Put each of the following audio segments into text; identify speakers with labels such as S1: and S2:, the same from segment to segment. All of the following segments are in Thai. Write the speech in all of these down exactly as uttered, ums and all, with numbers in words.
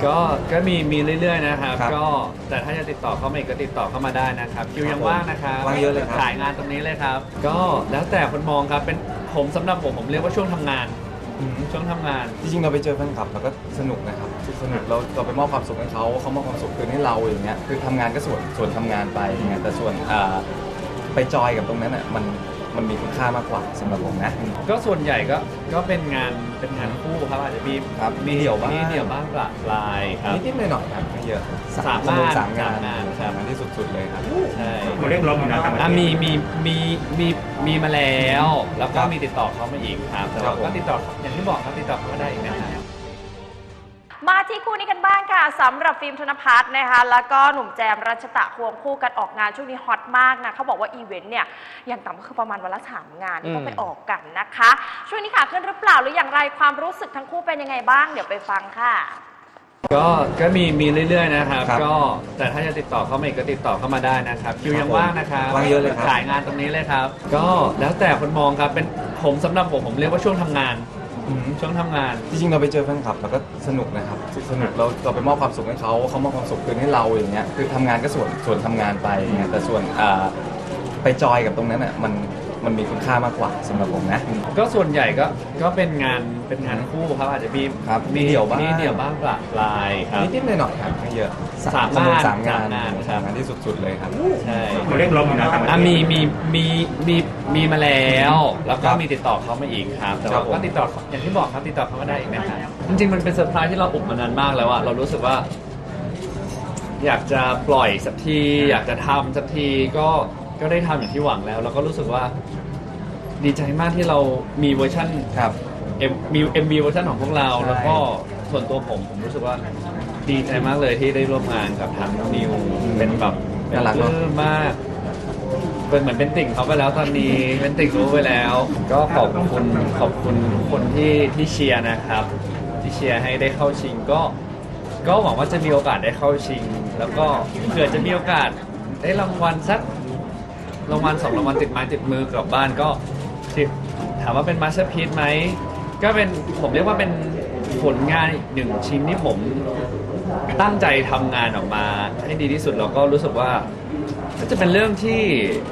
S1: ก็ก็มีมีเรื่อยๆนะครับ
S2: ครับ
S1: ก็แต่ถ้าจะติดต่อเข้ามาอีกก็ติดต่อเข้ามาได้นะครับคิวยังว่างนะครับ
S2: ว่างเยอะเลยครับ
S1: ขายงานตรงนี้เลยครับ ก็แล้วแต่คนมองครับเป็นผมสำหรับผมผมเรียกว่าช่วงทำงาน
S2: อืม
S1: ช่วงทำงาน
S2: จริงๆเราไปเจอแฟนคลับเราก็สนุกนะครับสนุกเราเราไปมอบความสุขให้เขาเขามอบความสุขคืนให้เราอย่างเงี้ยคือทำงานก็ส่วนส่วนทำงานไปอย่างเงี้ยแต่ส่วนอ่าไปจอยกับตรงนั้นอ่ะมันมันมีคุณค่ามากกว่าสำหรับผมนะ
S1: ก็ส่วนใหญ่ก็ก็เป็นงานเป็นงานคู่ครับอาจจะมี
S2: ครับมีเดี่ยวบ้าง
S1: มีเดี่ยวบ้างประปรายครับ
S2: นิดๆหน่อยๆครับไม่เยอะ
S1: สาม
S2: สนุก
S1: งาน
S2: สามงาน
S1: สามงานครับ
S2: สามงานที่สุดๆเลยครับ
S1: ใช่
S3: มาเรียกร้องอยู่นะต่างประ
S1: อ่ะ
S3: เทศ
S1: มีมีมีมีมีมาแล้ว แล้วก็
S2: ครับ
S1: มีติดต่อเข้ามาอีกครับแต่
S2: ครั
S1: ว่า
S2: บผม
S1: ก็ติดต่ออย่างที่บอกครับติดต่อเข้ามาได้อีกนะครับ
S4: มาที่คู่นี้กันบ้างค่ะสำหรับฟิล์มธนภัทรนะคะแล้วก็หนุ่มแจมรัชตะควงคู่กันออกงานช่วงนี้ฮอตมากนะเขาบอกว่าอีเวนต์เนี่ยอย่างต่ำก็คือประมาณวันละสามงานที่ต้องไปออกกันนะคะช่วงนี้ขาขึ้นหรือเปล่าหรืออย่างไรความรู้สึกทั้งคู่เป็นยังไงบ้างเดี๋ยวไปฟังค่ะ
S1: ก็ก็มีมีเรื่อยๆนะครับ
S2: ครับ
S1: ก็แต่ถ้าจะติดต่อเข้ามาอีกก็ติดต่อเข้ามาได้นะครับคิวยังว่างนะครับ
S2: ว่างเยอะเลยครับ
S1: ขายงานตรงนี้เลยครับ ก็แล้วแต่คนมองครับเป็นผมสำหรับผมผมเรียกว่าช่วงทำงาน
S2: อืม
S1: ช่วงทำงาน
S2: จริงๆเราไปเจอแฟนคลับเราก็สนุกนะครับสนุกเราเราไปมอบความสุขให้เขาเขามอบความสุขคืนให้เราอย่างเงี้ยคือทำงานก็ส่วนส่วนทำงานไปอย่างเงี้ยแต่ส่วนอ่าไปจอยกับตรงนั้นอ่ะมันมันมีคุณค่ามากกว่าสำหรับผมนะ
S1: ก็ส่วนใหญ่ก็ก็เป็นงานเป็นงานคู่ครับอาจจะมี
S2: ครับมีเดี่ยวบ้าง
S1: มีเดี่ยวบ้างประปรายครับ
S2: นิดๆหน่อยๆครับไม่เยอะ
S1: สาม
S2: สนุก
S1: งาน
S2: สามงาน
S1: สามงานครับ
S2: สามงานที่สุดๆเลยครับ
S1: ใช่
S3: มาเรียกร้องอยู่นะต่างประเท
S1: อ่ะ
S3: ศ
S1: มีมีมีมีมีมาแล้ว แล้วก็
S2: ครับ
S1: มีติดต่อเข้ามาอีกครับแต่
S2: ครั
S1: ว่า
S2: บผม
S1: ก็ติดต่ออย่างที่บอกครับติดต่อเข้ามาได้อีกนะครับจริงๆมันเป็นเซอร์ไพรส์ที่เราอุบมานานมากแล้วอะเรารู้สึกว่า อยากจะปล่อยสักที อยากจะทำสักทีก็ก็ได้ทำอย่างที่หวังแล้ว แล้วก็รู้สึกว่า ดีใจมากที่เรามีเวอร์ชัน
S2: ครับ
S1: เอ็มมีเอ็มบีเวอร์ชันของพวกเรา
S2: ใช่
S1: แล้วก็ส่วนตัวผมผมรู้สึกว่าดีใจมากเลยที่ได้ร่วมงานกับทางนิวเป็นแบบเป็น
S2: น่ารัก
S1: ป
S2: เนอะ
S1: ลื้มมากเป็นเหมือนเป็นติ่งเขาไปแล้วตอนนี้เป็นติ่งรู้ไปแล้ว ก็ขอบคุณขอบคุณทุกคนที่ที่เชียร์นะครับ ที่เชียร์ให้ได้เข้าชิงก็ ก็หวังว่าจะมีโอกาสได้เข้าชิง แล้วก็เผื่อจะมีโอกาสได้รางวัลสักรางวัลสองรางวัลติดไม้ติดมือกลับบ้านก็ที่ถามว่าเป็นมาสเตอร์พีซไหมก็เป็นผมเรียกว่าเป็นผลงานอีกหนึ่งชิ้นที่ผมตั้งใจทำงานออกมาให้ดีที่สุดแล้วก็รู้สึกว่าก็จะเป็นเรื่องที่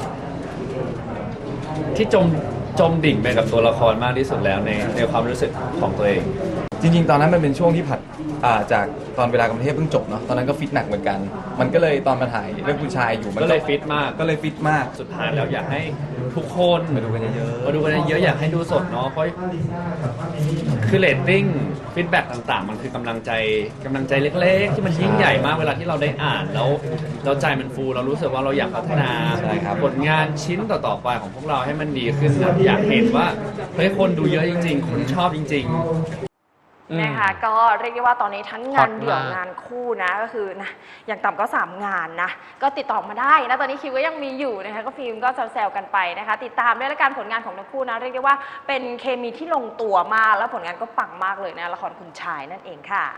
S1: ที่จมจมดิ่งไปกับตัวละครมากที่สุดแล้วในในความรู้สึกของตัวเอง
S2: จริงๆ ตอนนั้นมันเป็นช่วงที่ผัดอ่าจากตอนเวลากรุงเทพเพิ่งจบเนาะตอนนั้นก็ฟิตหนักเหมือนกัน มันก็เลยตอนมาถ่ายเรื่องผู้ชายอยู่มัน
S1: ก็เลยฟิตมาก
S2: ก็เลยฟิตมาก
S1: สุดท้ายแล้วอยากให้ทุกคน
S2: มาดูกันเยอะๆ
S1: มาดูกันเยอะๆอยากให้ดูสดเนาะเพราะคือเรตติ้งฟีดแบ็กต่างๆ มันคือกำลังใจกำลังใจเล็กๆ ที่มันยิ่งใหญ่มากเวลาที่เราได้อ่านแล้วเราใจมันฟูเรารู้สึกว่าเราอยากพัฒนา
S2: ใช่ครับ
S1: ผลงานชิ้นต่อๆไปของพวกเราให้มันดีขึ้นนะอยากเห็นว่าเฮ้ยคนดูเยอะจริง ๆ คนชอบจริง ๆ
S4: นะคะก็เรียกได้ว่าตอนนี้ทั้งงาน
S1: ฮอตมาก
S4: เดี่ยวงานคู่นะก็คือนะอย่างต่ำก็สามงานนะก็ติดต่อมาได้นะตอนนี้คิวก็ยังมีอยู่นะคะก็ฟิล์มก็แซวๆกันไปนะคะติดตามด้วยละกันผลงานของทั้งคู่นะเรียกได้ว่าเป็นเคมีที่ลงตัวมากแล้วผลงานก็ปังมากเลยนะละครคุณชายนั่นเองค่ะ